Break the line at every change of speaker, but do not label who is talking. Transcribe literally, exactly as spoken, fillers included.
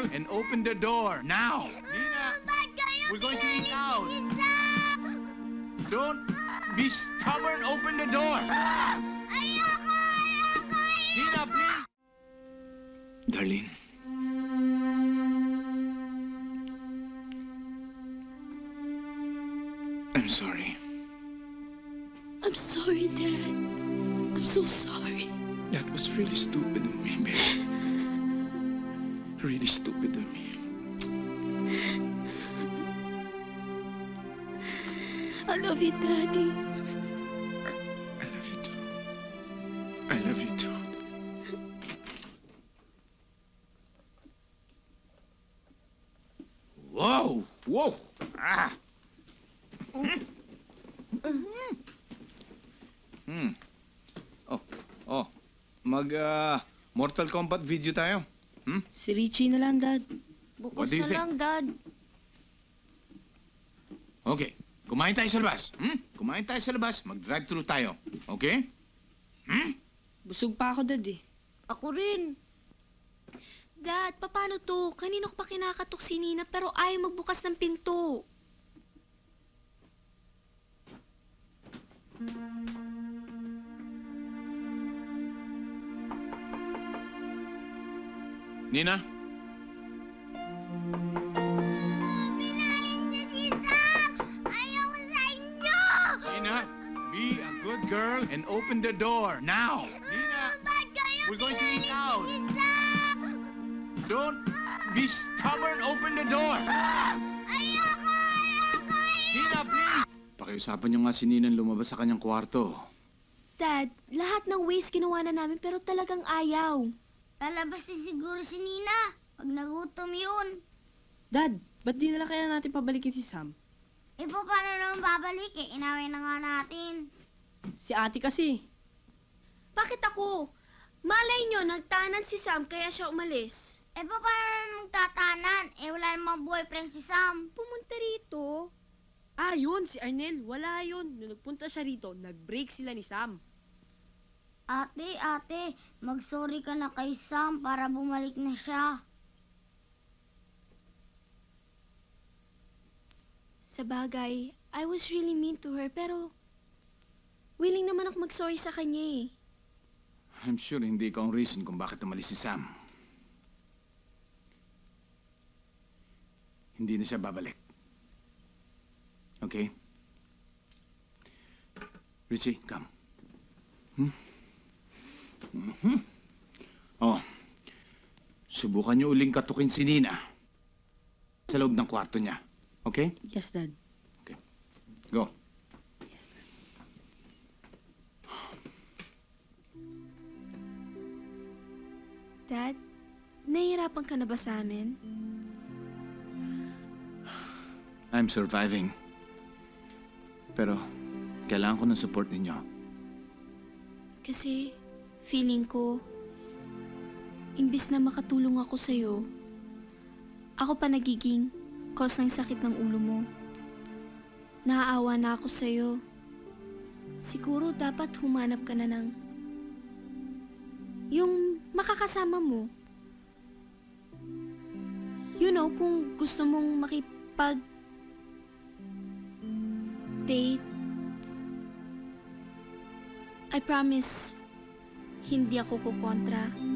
girl, and open the door. Now! Nina, we're going to eat out. Don't be stubborn. Open the door.
Ayoko! Ayoko!
Nina, please. Darlene. I'm sorry.
I'm sorry, Dad. I'm so sorry.
That was really stupid of me, babe. Really stupid of me.
I love you, Daddy.
I love you too. I love you too. Whoa! Whoa! Ah! Hmm. Oh, oh. Mag, uh, Mortal Kombat video tayo. Hmm?
Si Richie na lang, Dad.
What
Bukas
do you
na
think?
lang, Dad.
Okay. Kumain tayo sa labas. Hmm? Kumain tayo sa labas. Mag-drive-thru tayo. Okay? Hmm?
Busog pa ako, Dad eh.
Ako rin.
Dad, paano to? Kanino ko pa kinakatok si Nina pero ayaw magbukas ng pinto.
Nina?
Pinahin niyo si Sam! Ayoko sa inyo!
Nina, be a good girl and open the door. Now! Nina,
Ba't kayo
we're going to eat
pinahin
out.
si Sam?
Don't be stubborn. Open the door.
Ayoko! Ayoko!
Nina, please! Pakiusapan niyo nga si Ninang lumabas sa kanyang kwarto.
Dad, lahat ng ways ginawa na namin pero talagang ayaw.
Lalabas din siguro si Nina. Pag nagutom yun.
Dad, ba't di nila kaya natin pabalikin si Sam?
E pa, paano naman babalik eh? Inaway na nga natin.
Si ate kasi.
Bakit ako? Malay nyo, nagtanan si Sam kaya siya umalis.
E pa, paano naman magtatanan? Eh, wala namang boyfriend si Sam.
Pumunta rito.
Ah, yun, si Arnel. Wala yun. Nung nagpunta siya rito, nag-break sila ni Sam.
Ate, ate, mag-sorry ka na kay Sam para bumalik na siya.
Sa bagay, I was really mean to her pero willing naman ako mag-sorry sa kanya eh.
I'm sure hindi ikaw ang reason kung bakit umalis si Sam. Hindi na siya babalik. Okay? Richie, come. Hmm? Mhm. Oh, subukan niyo uling katukin si Nina sa loob ng kwarto niya. Okay?
Yes, Dad.
Go.
Dad, nahihirapan ka na ba sa amin?
I'm surviving. Pero, kailangan ko ng support ninyo.
Kasi feeling ko, imbis na makatulong ako sa'yo, ako pa nagiging cause ng sakit ng ulo mo. Naaawa na ako sa'yo. Siguro dapat humanap ka na ng yung makakasama mo. You know, kung gusto mong makipag date, I promise, hindi ako kukontra.